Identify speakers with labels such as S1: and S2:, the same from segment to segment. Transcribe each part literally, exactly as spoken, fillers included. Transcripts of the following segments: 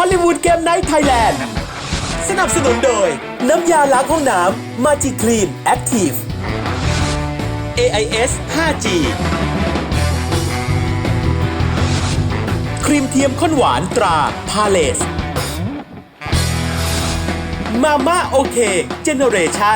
S1: อลลีวูดเกมไนท์ไทยแลนด์สนับสนุนโดยน้ำยาล้างห้องน้ำมาจิคลีนแอคทีฟ เอ ไอ เอส ไฟว์จี ครีมเทียมข้นหวานตราพาเลสมาม่าโอเคเจเนเรชั่น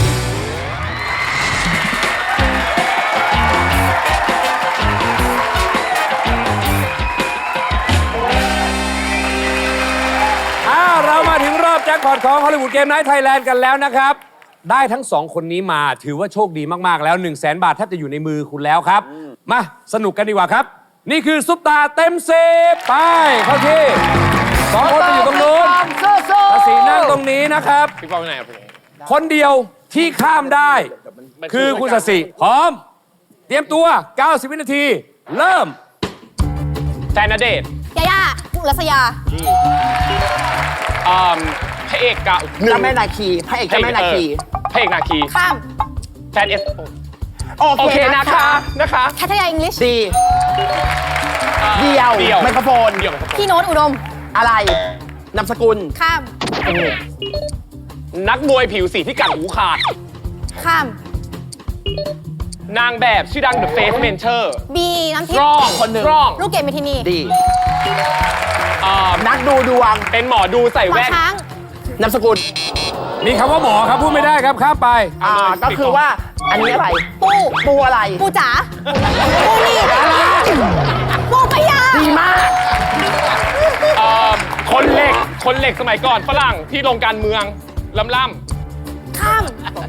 S2: เรามาถึงรอบแจ็คพอตของฮอลลีวูดเกมไนท์ไทยแลนด์กันแล้วนะครับได้ทั้งสองคนนี้มาถือว่าโชคดีมากๆแล้ว 1 0 0 0 0แบาทแทบจะอยู่ในมือคุณแล้วครับมาสนุกกันดีกว่าครับนี่คือซุปตาเต็มสิบไปเข้าที่สองคนไปอยู่ตรงนู้นภาษีนั่งตรงนี้นะครับพี่ป้อมไปไหนคนเดียวที่ข้ามได้คือคุณศศิพร้อมเตรียมตัวเก้าสิบวินาทีเริ่มแฟนณเดชน์
S3: ยาย่าอุรัสยา
S4: อ่าพระเอกกะ
S5: เจ้าแม่นาคีพระเอกเจ้าแม่นาคี
S4: พระเอกนาคี
S3: ข้าม
S4: แฟนเอส
S5: โอเคนะคะ
S4: นะคะ
S3: แคทยาอังกฤษ
S5: ดีเดียวไมโครโฟน
S3: พี่โน้ตอุดม
S5: อะไรนามสกุล
S3: ข้าม
S4: นักมวยผิวสีที่กัดหูขาด
S3: ข้าม
S4: นางแบบชื่อดัง The Face Mentor
S3: บีน้ำทิพย์
S4: ร้องคนหนึ่งร้อง
S3: ลูกเกดเมทินี
S5: ดีนักดูดวง
S4: เป็นหมอดูใส่แว่น
S5: นามสกุล
S2: มีคำว่าหมอครับพูดไม่ได้ครับข้ามไป
S5: อ่าก็คือว่าอันนี้อะไร
S3: ปู
S5: ปูอะไร
S3: ปูจ๋าปูนี่ปูปยา
S5: ดีมาก
S4: คนเหล็กคนเหล็กสมัยก่อนฝรั่งที่ลงการเมืองล่ำล่
S3: ำข้าม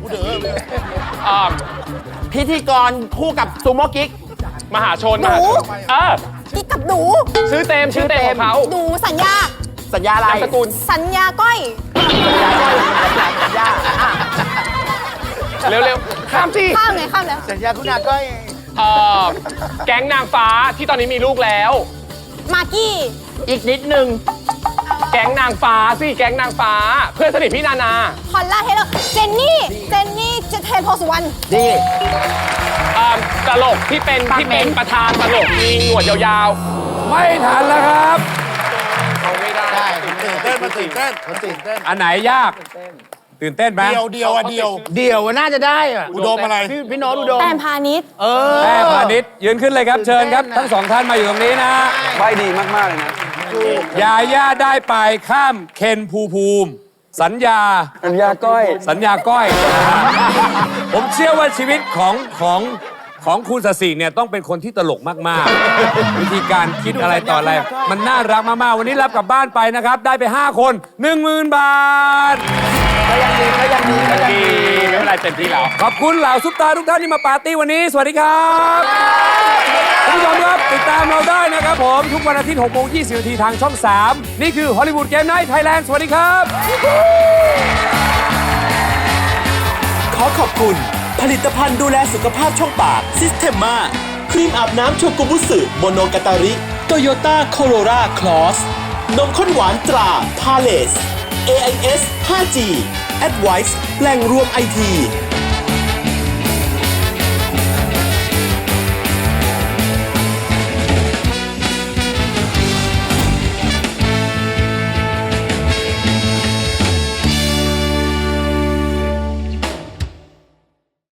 S5: พิธีกรคู่กับซูโม่กิ๊ก
S4: มหาชน
S3: หนู
S4: เออ
S3: กิ๊กกับหนู
S4: ชื่อเต็มชื่อเต็มของเขา
S3: หนูสัญญา
S5: สัญญาอะไร
S4: นามสกุล
S3: สัญญาก้อย
S5: สัญญาก้อยสัญญา
S4: เร็วๆข้ามสิ
S3: ข้ามไงข้ามแล้ว
S5: สัญญาคุณอาก้อย
S4: เออแก๊งนางฟ้าที่ตอนนี้มีลูกแล้ว
S3: มากกี้
S5: อีกนิดนึง
S4: แก๊งนางฟ้าสิแก๊งนางฟ้าเพื่อนสนิทพี่นานา
S3: พอลล่าเทเลอร์เจนนี่เจนนี่เจเทนโพสุวรรณ
S5: ดี
S4: ตลกที่เป็นที่เป็นประธานตลกมีหนวดยาว
S2: ๆไม่ทันแล้วครับ
S4: เขาไม่ได้
S6: ตื่นเต้นมันตื่นเต้นมันตื่นเต้น
S2: อันไหนยากตื่นเต้นไหม
S6: เดียวเดียวอะเดียว
S5: เดียวน่าจะได้อะ
S6: อุดมอะไร
S5: พี่โน้ตอุดม
S3: แต้มพาณิชย์
S5: เออ
S2: แต้มพาณิชย์ยืนขึ้นเลยครับเชิญครับทั้งสองท่านมาอยู่ตรงนี้นะ
S5: ใบดีมากๆเลยนะ
S2: ยาย่าได้ไปข้ามเคนภูภูมิสัญญา
S5: สัญญาก้อย
S2: สัญญาก้อยผมเชื่อว่าชีวิตของของของคุณศศิเนี่ยต้องเป็นคนที่ตลกมากๆวิธีการคิดอะไรต่ออะไรมันน่ารักมากๆวันนี้รับกลับบ้านไปนะครับได้ไปห้าคน หนึ่งหมื่น บาท
S5: ก็ยังดีก็ยังดีก็ยังดี
S4: ไม่เป็นไรเต็มที่แล้ว
S2: ขอบคุณเหล่าซุปตาทุกท่านที่มาปาร์ตี้วันนี้สวัสดีครับคุณผู้ชมครับติดตามเราได้นะครับผมทุกวันอาทิตย์หกโมงยี่สิบนาทีทางช่องสามนี่คือฮอลลีวูดเกมไนท์ไทยแลนด์สวัสดีครับ
S1: ขอขอบคุณผลิตภัณฑ์ดูแลสุขภาพช่องปากซิสเทมมาครีมอาบน้ำโชกุบุสึโมโนกาตาริโตโยต้าโคโรราคลอสนมข้นหวานตราพาเลส เอ ไอ เอส ไฟว์จี Advice แหล่งรวมไอที